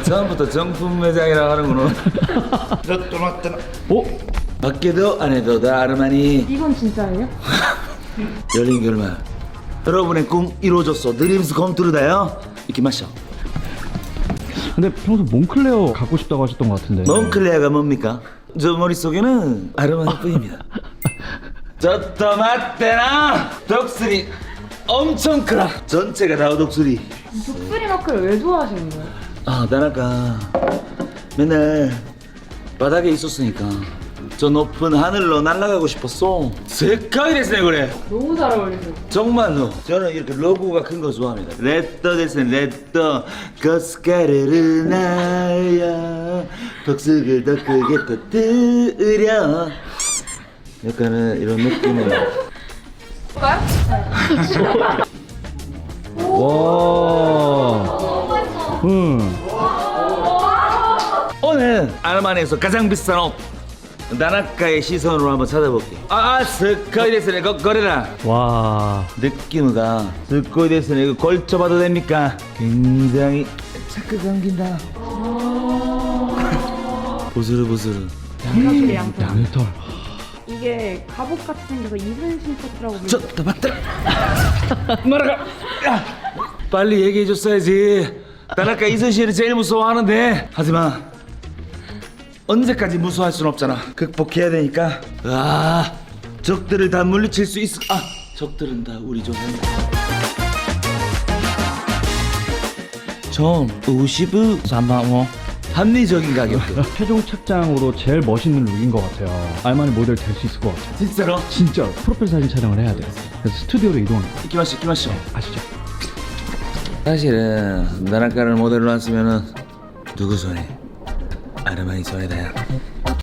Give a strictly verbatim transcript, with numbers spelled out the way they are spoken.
처음부터 정품 매장이라고 하는구나. 또 맞더라. 오? 밖에도 안에도 다 아르마니. 이건 진짜예요? 열린 결말. 여러분의 꿈 이루어졌어. 드림스 컴투르다요. 이렇게 마셔. 근데 평소 몽클레어 갖고 싶다고 하셨던 것 같은데. 몽클레어가 뭡니까? 저 머릿속에는 아르마니뿐입니다. 저또 맞대나. 독수리 엄청 크다. 전체가 다 독수리. 독수리 마크를 왜 좋아하시는 거예요? 아, 나라가 맨날 바닥에 있었으니까 저 높은 하늘로 날아가고 싶었어. 색깔이 됐네 그래. 너무 잘 어울리세요. 정말로 저는 이렇게 로고가 큰 거 좋아합니다. 레더 됐으니 레더 거스카르르 날야 덕수를 더 크게 터뜨려. 약간은 이런 느낌으로. 와. 응. 오늘 아르마니에서 가장 비싼 옷 나나카의 시선으로 한번 찾아볼게. 아, 스코이 데스네. 거 거래라. 와. 느낌가 스코이 데스네. 이거 걸쳐봐도 됩니까? 굉장히 착각 감긴다. 보스르보스르. 양털이 양털. 양털. 이게 갑옷 같이 생겨서 이순신 코트라고 불리죠. 저다 맞다. 말아가. 야, 빨리 얘기해줬어야지. 나나카 이순신을 제일 무서워하는데. 하지만 언제까지 무서워할 순 없잖아. 극복해야 되니까. 아, 적들을 다 물리칠 수 있어. 아, 적들은 다 우리 조상이다. 좀 오십 삼만원 합리적인 가격대. 최종 착장으로 제일 멋있는 룩인 것 같아요. 알마니 모델 될 수 있을 것 같아요. 진짜로? 진짜 프로필 사진 촬영을 해야 돼요. 그래서 스튜디오로 이동을 해요. 이끼마시 이끼마시. 아시죠? 사실은 나나카를 모델로 안 쓰면은 누구 손에? 아르마니 손에다야.